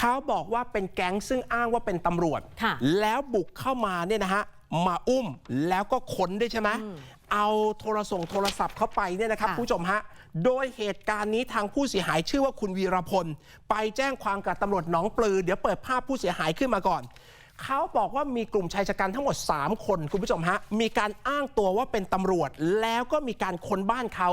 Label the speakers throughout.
Speaker 1: เขาบอกว่าเป็นแก๊งซึ่งอ้างว่าเป็นตำรวจแล้วบุกเข้ามาเนี่ยนะฮะมาอุ้มแล้วก็ค้นด้วยใช่ไหมเอาโทรศัพท์เข้าไปเนี่ยนะครับผู้ชมฮะโดยเหตุการณ์นี้ทางผู้เสียหายชื่อว่าคุณวีรพลไปแจ้งความกับตำรวจหนองปลือเดี๋ยวเปิดภาพผู้เสียหายขึ้นมาก่อนเขาบอกว่ามีกลุ่มชายชะกันทั้งหมด3คนคุณผู้ชมฮะมีการอ้างตัวว่าเป็นตำรวจแล้วก็มีการค้นบ้านเขา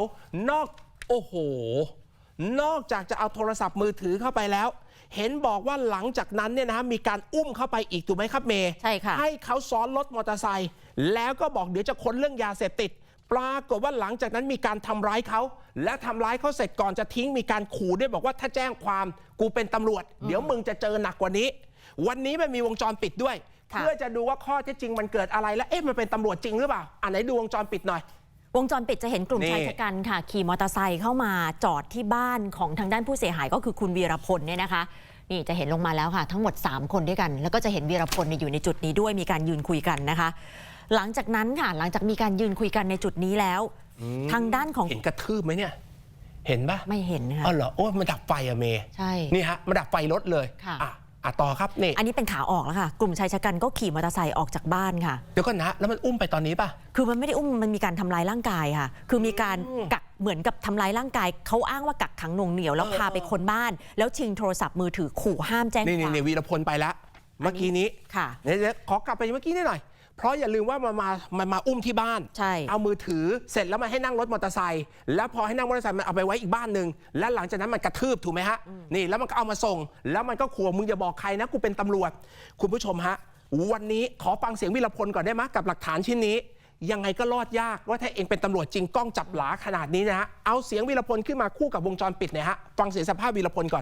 Speaker 1: นอกจากจะเอาโทรศัพท์มือถือเข้าไปแล้วเห็นบอกว่าหลังจากนั้นเนี่ยนะฮะมีการอุ้มเข้าไปอีกถูกไหมครับเมย์ใช่ค่ะให้เขาซ้อนรถมอเตอร์ไซค์แล้วก็บอกเดี๋ยวจะค้นเรื่องยาเสพติดปรากฏว่าหลังจากนั้นมีการทำร้ายเขาและทำร้ายเขาเสร็จก่อนจะทิ้งมีการขู่ด้วยบอกว่าถ้าแจ้งความกูเป็นตำรวจเดี๋ยวมึงจะเจอหนักกว่านี้วันนี้มันมีวงจรปิดด้วยเพื่อจะดูว่าข้อเท็จจริงมันเกิดอะไรและมันเป็นตำรวจจริงหรือเปล่าไหนดูวงจรปิดหน่อยว
Speaker 2: งจรปิดจะเห็นกลุ่มชายชะกันค่ะขี่มอเตอร์ไซค์เข้ามาจอดที่บ้านของทางด้านผู้เสียหายก็คือคุณวีรพลเนี่ยนะคะนี่จะเห็นลงมาแล้วค่ะทั้งหมด3คนด้วยกันแล้วก็จะเห็นวีรพลอยู่ในจุดนี้ด้วยมีการยืนคุยกันนะคะหลังจากนั้นค่ะหลังจากมีการยืนคุยกันในจุดนี้แล้วทางด้านของ
Speaker 1: เห็นกระทืบไหมเนี่ยเห็นปะ
Speaker 2: ไม่เห็นค่ะ
Speaker 1: อ๋อเหรอโอ้มันดับไฟอะเมย์
Speaker 2: ใช่
Speaker 1: นี่ฮะมันดับไฟรถเลยค่ะต่อครับนี่
Speaker 2: อันนี้เป็นขาออกแล้วค่ะกลุ่มชายชะกันก็ขี่มอเตอร์ไซค์ออกจากบ้านค่ะ
Speaker 1: เดี๋ยวก่อนนะแล้วมันอุ้มไปตอนนี้ป่ะ
Speaker 2: คือมันไม่ได้อุ้มมันมีการทำร้ายร่างกายค่ะคือมีการกักเหมือนกับทำร้ายร่างกายเขาอ้างว่ากักขังหน่วงเหนี่ยวแล้วพาไปค้นบ้านแล้วชิงโทรศัพท์มือถือขู่ห้ามแจ้งความ
Speaker 1: นี่วีรพลไปแล้วเมื่อกี้นี้
Speaker 2: ค่ะ
Speaker 1: เดี๋ยวขอกลับไปเมื่อกี้นิดหน่อยเพราะอย่าลืมว่ามันมาอุ้มที่บ้าน
Speaker 2: ใช่
Speaker 1: เอามือถือเสร็จแล้วมาให้นั่งรถมอเตอร์ไซค์แล้วพอให้นั่งมอเตอร์ไซค์มันเอาไปไว้อีกบ้านหนึ่งแล้วหลังจากนั้นมันกระทืบถูกไหมฮะนี่แล้วมันก็เอามาส่งแล้วมันก็ขู่มึงอย่าบอกใครนะกูเป็นตำรวจคุณผู้ชมฮะวันนี้ขอฟังเสียงวีรพลก่อนได้ไหมกับหลักฐานชิ้นนี้ยังไงก็รอดยากว่าถ้าเองเป็นตำรวจจริงกล้องจับหลาขนาดนี้นะฮะเอาเสียงวีรพลขึ้นมาคู่กับวงจรปิดเนี่ยฮะฟังเสียงสภาพวีรพลก่อน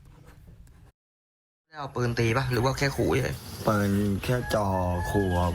Speaker 3: เอาปืนตีปะหรือว่าแค่ขู่เฉย
Speaker 4: ปืนแค่จ่อขู่ครับ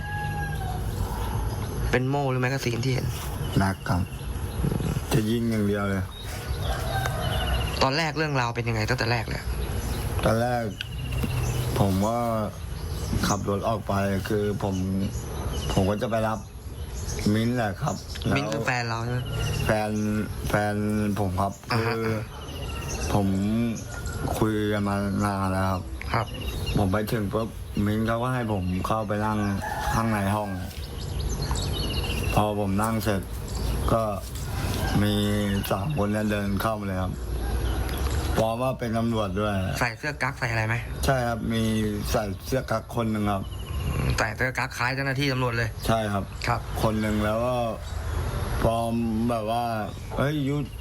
Speaker 3: เป็นโม่หรือแมกกาซีนที่เห็น
Speaker 4: หนักครับจะยิงอย่างเดียวเลย
Speaker 3: ตอนแรกเรื่องราวเป็นยังไงตั้งแต่แรกเลย
Speaker 4: ตอนแรกผมว่าขับรถออกไปคือผมก็จะไปรับมิ้นท์แหละครับ
Speaker 3: มิ้นท์คือแฟนเราใช่ไหม
Speaker 4: แฟนผมครับคือผมคุยกันมานานแล้ว
Speaker 3: ครับ
Speaker 4: ผมไปถึงปุ๊บมิ้นท์เขาก็ให้ผมเข้าไปนั่งข้างในห้องพอผมนั่งเสร็จก็มี3 คนเดินเข้ามาเลยครับพร้อมว่าเป็นตำรวจด้วย
Speaker 3: ใส่เสื้อกั๊กใส่อะไรไหม
Speaker 4: ใช่ครับมีใส่เสื้อกั๊กคนหนึ่งครับ
Speaker 3: ใส่เสื้อกั๊กคล้ายเจ้าหน้าที่ตำรวจเลย
Speaker 4: ใช่ครับ
Speaker 3: ครับ
Speaker 4: คนหนึ่งแล้วก็พร้อมแบบว่าเฮ้ยยุทธ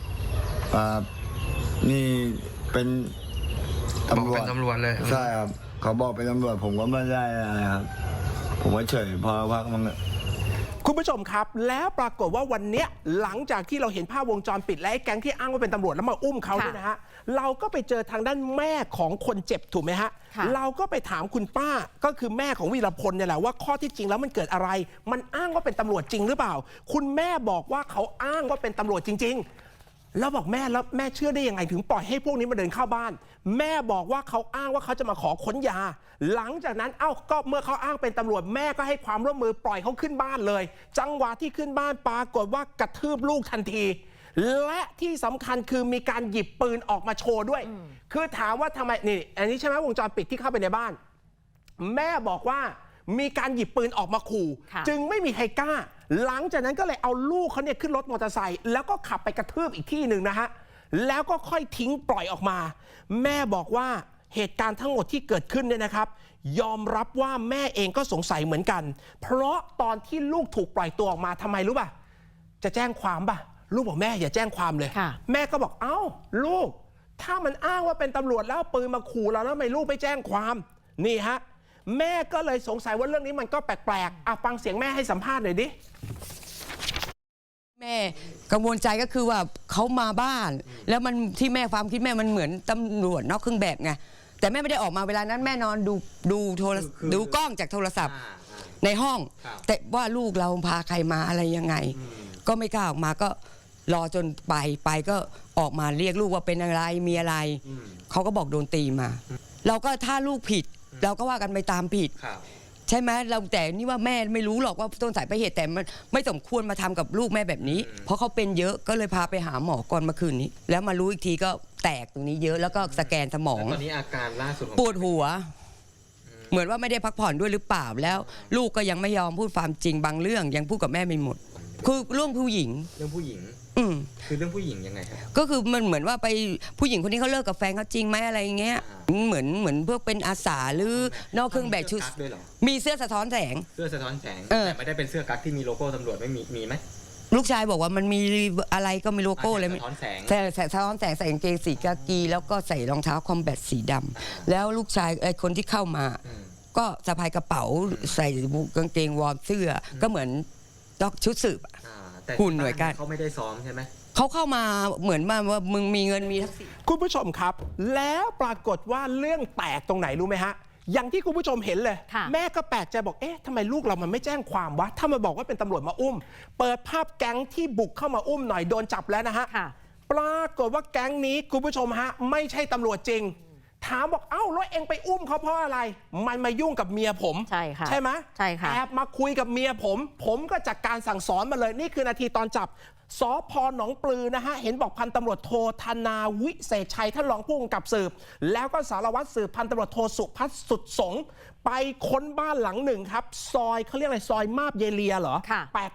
Speaker 4: นี่เป็น
Speaker 3: ตำรวจเลย
Speaker 4: ใช่ครับเขาบอกเป็นตำรวจผมก็ไม่ได้อะไรครับผมก็เฉยพอพักมัน
Speaker 1: คุณผู้ชมครับแล้วปรากฏว่าวันนี้หลังจากที่เราเห็นภาพวงจรปิดและไอ้แก๊งที่อ้างว่าเป็นตำรวจแล้วมาอุ้มเขาเนี่ยนะฮะเราก็ไปเจอทางด้านแม่ของคนเจ็บถูกไหมฮะเราก็ไปถามคุณป้าก็คือแม่ของวีรพลเนี่ยแหละว่าข้อที่จริงแล้วมันเกิดอะไรมันอ้างว่าเป็นตำรวจจริงหรือเปล่าคุณแม่บอกว่าเขาอ้างว่าเป็นตำรวจจริงๆแล้วบอกแม่เชื่อได้ยังไงถึงปล่อยให้พวกนี้มาเดินเข้าบ้านแม่บอกว่าเขาอ้างว่าเขาจะมาขอค้นยาหลังจากนั้นก็เมื่อเขาอ้างเป็นตำรวจแม่ก็ให้ความร่วมมือปล่อยเขาขึ้นบ้านเลยจังหวะที่ขึ้นบ้านปรากฏว่ากระทืบลูกทันทีและที่สำคัญคือมีการหยิบปืนออกมาโชว์ด้วยคือถามว่าทำไมนี่อันนี้ใช่ไหมวงจรปิดที่เข้าไปในบ้านแม่บอกว่ามีการหยิบปืนออกมาขู่จึงไม่มีใครกล้าหลังจากนั้นก็เลยเอาลูกเขาเนี่ยขึ้นรถมอเตอร์ไซค์แล้วก็ขับไปกระทืบอีกที่หนึ่งนะฮะแล้วก็ค่อยทิ้งปล่อยออกมาแม่บอกว่าเหตุการณ์ทั้งหมดที่เกิดขึ้นเนี่ยนะครับยอมรับว่าแม่เองก็สงสัยเหมือนกันเพราะตอนที่ลูกถูกปล่อยตัวออกมาทำไมรู้ป่ะจะแจ้งความป่ะลูกบอกแม่อย่าแจ้งความเลยแม่ก็บอกเอ้าลูกถ้ามันอ้างว่าเป็นตำรวจแล้วเอาปืนมาขู่เราแล้วทำไมลูกไม่แจ้งความนี่ฮะแม่ก็เลยสงสัยว่าเรื่องนี้มันก็แปลกๆฟังเสียงแม่ให้สัมภาษณ์หน่อยดิ
Speaker 5: แม่กังวลใจก็คือว่าเขามาบ้านแล้วมันที่แม่ความคิดแม่มันเหมือนตำรวจนอกเครื่องแบบไงแต่แม่ไม่ได้ออกมาเวลานั้นแม่นอนดูกล้องจากโทรศัพท์ในห้องแต่ว่าลูกเราพาใครมาอะไรยังไงก็ไม่กล้าออกมาก็รอจนไปก็ออกมาเรียกลูกว่าเป็นอะไรมีอะไรเขาก็บอกโดนตีมาเราก็ถ้าลูกผิดเราก็ว่ากันไปตามผิดใช่ไหมเราแต่นี่ว่าแม่ไม่รู้หรอกว่าต้นสายปลายเหตุแต่มันไม่สมควรมาทำกับลูกแม่แบบนี้เพราะเขาเป็นเยอะก็เลยพาไปหาหมอก่อนเมื่อคืนนี้แล้วมารู้อีกทีก็แตกตรงนี้เยอะแล้วก็สแกนสมอง
Speaker 3: แล้วตอนนี้อาการล่าสุดของ
Speaker 5: ปวดหัว เหมือนว่าไม่ได้พักผ่อนด้วยหรือเปล่าแล้ว ลูกก็ยังไม่ยอมพูดความจริงบางเรื่องยังพูดกับแม่ไม่หมด คือเรื่องผู้หญิง
Speaker 3: เรื่องผู้หญิง
Speaker 5: อืม
Speaker 3: คือเรื่องผู้หญิงยังไงครับ
Speaker 5: ก็คือมันเหมือนว่าไปผู้หญิงคนนี้เขาเลิกกับแฟนเขาจริงไหมอะไรอย่างเงี้ยเหมือนพวกเป็นอาสาหรือนอกเครื่องแบบชุด
Speaker 3: เสื้อกั๊กด้วยเหรอ
Speaker 5: มีเสื้อสะท้อนแสง
Speaker 3: เสื้อสะท้อนแสง
Speaker 5: เออ
Speaker 3: แต่ไม่ได้เป็นเสื้อกั๊กที่มีโลโก้ตำรวจไม่มีไหม
Speaker 5: ลูกชายบอกว่ามันมีอะไรก็ไม่โลโก้เลย
Speaker 3: สะท้อนแสง
Speaker 5: แต่สะท้อนแสงใส่กางเกงสีกากีแล้วก็ใส่รองเท้าคอมแบทสีดำแล้วลูกชายไอ้คนที่เข้ามา ก็สะพายกระเป๋าใส่กางเกงวอร์มเสื้อก็เหมือนชุดสืบ
Speaker 3: แต่
Speaker 5: หุ่นหน่วยการ
Speaker 3: เขาไม่ได้ซ้อมใช่ไหม
Speaker 5: เขาเข้ามาเหมือนว่ามึงมีเงินมีทักษิณ
Speaker 1: คุณผู้ชมครับ แล้วปรากฏว่าเรื่องแตกตรงไหนรู้ไหมฮะ อย่างที่คุณผู้ชมเห็นเลย
Speaker 2: ค่ะ
Speaker 1: แม่ก็แปลกใจบอกเอ๊ะทำไมลูกเรามันไม่แจ้งความวะถ้ามาบอกว่าเป็นตำรวจมาอุ้ม เปิดภาพแก๊งที่บุกเข้ามาอุ้มหน่อยโดนจับแล้วนะฮะ
Speaker 2: ค่ะ
Speaker 1: ปรากฏว่าแก๊งนี้คุณผู้ชมฮะไม่ใช่ตำรวจจริง ถามบอกเอ้าแล้วเองไปอุ้มเขาเพราะอะไร มันมายุ่งกับเมียผม
Speaker 2: ใช่ค่ะ
Speaker 1: ใช่ไหม
Speaker 2: ใช่ค่ะ
Speaker 1: แอบมาคุยกับเมียผมก็จัดการสั่งสอนมาเลยนี่คือนาทีตอนจับสพหนองปลือนะฮะเห็นบอกพันตำรวจโทธนาวิเศษชัยท่านรองผู้กำกับสืบ แล้วก็สารวัตรสืบพันตำรวจโทสุพัฒน์สุดสงฆ์ไปค้นบ้านหลังหนึ่งครับซอยเขาเรียกอะไรซอยมาบเยเลียเหรอ
Speaker 2: ค่ะ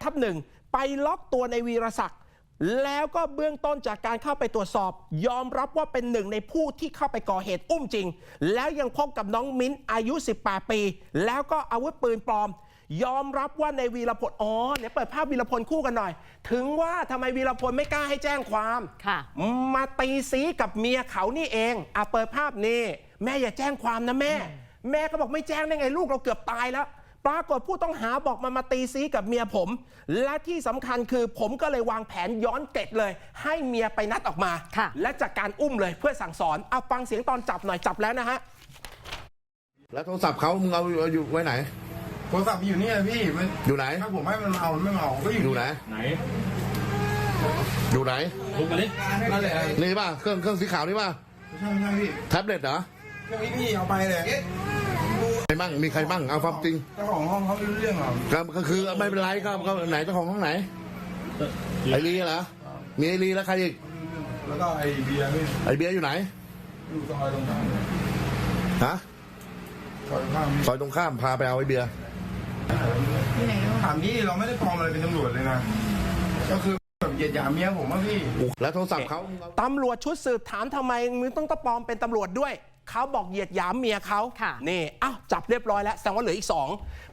Speaker 1: 8/1ไปล็อกตัวในวีรศักดิ์แล้วก็เบื้องต้นจากการเข้าไปตรวจสอบ ยอมรับว่าเป็นหนึ่งในผู้ที่เข้าไปก่อเหตุอุ้มจริง แล้วยังพบกับน้องมิ้นอายุ 18 ปี แล้วก็อาวุธปืนปลอม ยอมรับว่าในวีรพลเนี่ยเปิดภาพวีรพลคู่กันหน่อย ถึงว่าทำไมวีรพลไม่กล้าให้แจ้งความ
Speaker 2: ค่ะ
Speaker 1: มาตีซีกับเมียเขานี่เองเปิดภาพนี่แม่อย่าแจ้งความนะแม่ แม่ก็บอกไม่แจ้งได้ไงลูกเราเกือบตายแล้ว ปรากฏผู้ต้องหาบอกมาตีซีกับเมียผม และที่สำคัญคือผมก็เลยวางแผนย้อนเกร็ดเลย ให้เมียไปนัดออกมา
Speaker 2: ค่ะ
Speaker 1: และจากการอุ้มเลยเพื่อสั่งสอนเอาฟังเสียงตอนจับหน่อยจับแล้วนะฮะ
Speaker 6: แล้วโทรศัพท์เขามึงเอาอยู่ไว้ไหน
Speaker 7: โทรศัพท์อยู่นี่เลยพี่มัน
Speaker 6: อยู่ไหน
Speaker 7: ถ้าผมให้มันเอาไม่เอาก็อยู่
Speaker 6: อยู่ไหน อยู่ไหน
Speaker 7: นั่นแหละ
Speaker 6: นี่ป่ะ เครื่องสีขาวนี่ป่ะ
Speaker 7: ใช่พี่
Speaker 6: แท็บเล็ตเหรอ
Speaker 7: เครื่องนี้พี่เอาไปเลย
Speaker 6: ใครบ้าง มีใครบ้าง เอาความจริง
Speaker 7: เจ้าของห้องเขาไม่รู้เรื่องหรอก
Speaker 6: ก็คือไม่เป็นไรก็ไหนเจ้าของห้องไหน ไอรีเหรอ มีไอรีแล้วใครอีก
Speaker 7: แล้วก็ไอ้เบียร์พี่
Speaker 6: ไอเบียร์อยู่ไหน
Speaker 7: อยู่ตรงอะไรตรงกลาง
Speaker 6: ฮะ
Speaker 7: ซอยข้างพี่
Speaker 6: ซอยตรงข้ามพาไปเอาไอเบียร์
Speaker 7: ถามพี่เราไม่ได้ปลอมอะไรเป็นตำรวจเลยนะ ก็คือแบบเหยียดหยามเมียผมว่าพี่
Speaker 6: แล้วโทรศัพท์เขา
Speaker 1: ตำรวจชุดสืบถามทำไมมึงต้องปลอมเป็นตำรวจด้วย เขาบอกเหยียดหยามเมียเขา
Speaker 2: ค่ะ
Speaker 1: นี่อ้าวจับเรียบร้อยแล้วแสดงว่าเหลืออีก